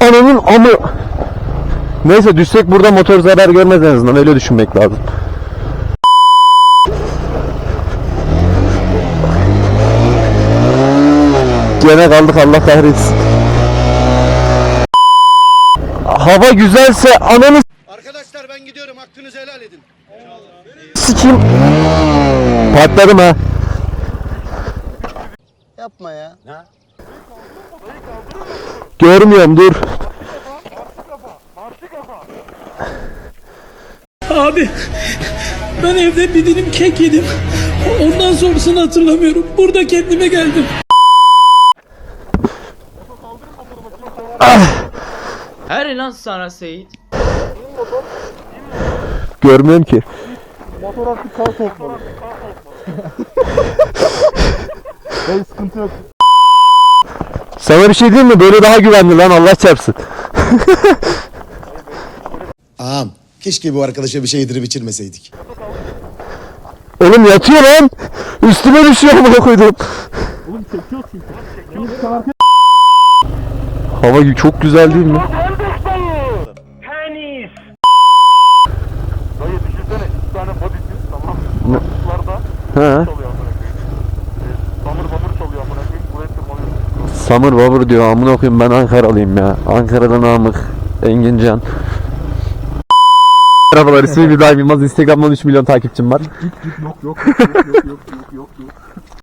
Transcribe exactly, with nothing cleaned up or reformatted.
Ananın amı. Neyse düşsek burada motor zarar görmez en azından, öyle düşünmek lazım. Gene kaldık, Allah kahretsin. Hava güzelse ananı Arkadaşlar ben gidiyorum, hakkınızı helal edin. sikeyim. Patladım ha. Yapma ya. Görmüyorum, dur. Abi ben evde bir dilim kek yedim. Ondan sonrasını hatırlamıyorum. Burada kendime geldim. Her lan sana Seyit. Görmüyorum ki. Motor artık kal sokmalı. Hey, sıkıntı yok. Sana bir şey diyeyim mi? Böyle daha güvenli lan, Allah çarpsın. Ağam, keşke bu arkadaşa bir şey yedirip içirmeseydik. Oğlum yatıyor lan. Üstüme düşüyor amına koydum. Oğlum çekiyor çünkü. Şimdi bir tane Hava çok güzel değil mi? dayı düşünsene, iki tane body'siz, tamam mı? Kuşlarda He. çalıyor amına koyayım. Ee, Bamır bamır çalıyor amına koyayım. Buraya tırmanıyorsun. Samur babur diyor, amına koyayım, ben Ankaralıyım ya. Ankara'da Namık, Engincan. Merhabalar, ismim İbrahim Yılmaz. Instagram'dan üç milyon takipçim var. Yok yok yok yok yok yok yok yok.